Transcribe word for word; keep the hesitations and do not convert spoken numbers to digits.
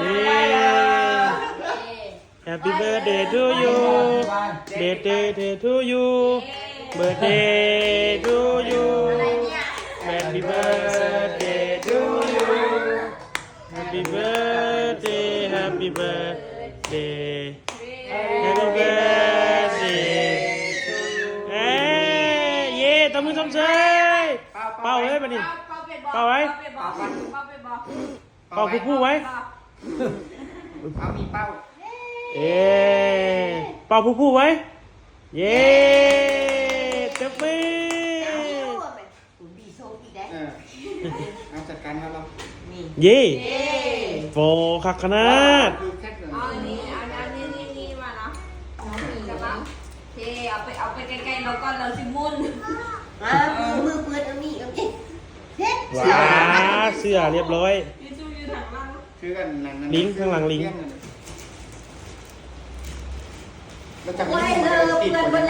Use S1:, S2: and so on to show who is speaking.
S1: Happy birthday to you birthday to you birthday to you Happy birthday to you Happy birthday Happy birthday Happy birthday เอ้ยเย่ตบมือชมเชยเป่าเลยมาดิเป่าไว้เป่าผู้ผู้ไว้
S2: เอามีเป้า
S1: เอ๊เป่าผู้ผู้ไว้เย่จับมือ
S2: เอาจัดการมาเรา
S1: เย่โฟคักขนาด
S3: เอาอันนี้อันนี้นี่นี่มาเนาะจะมาเทเอาไปเอาไปใกล้ๆแล้วก็เราสิมุน
S4: มามือเปิดเอามีเอามี
S1: ว้าเสื้อเรียบร้อยลิงข้างหลังลิง
S2: แล้วจะไม่ให้มันติด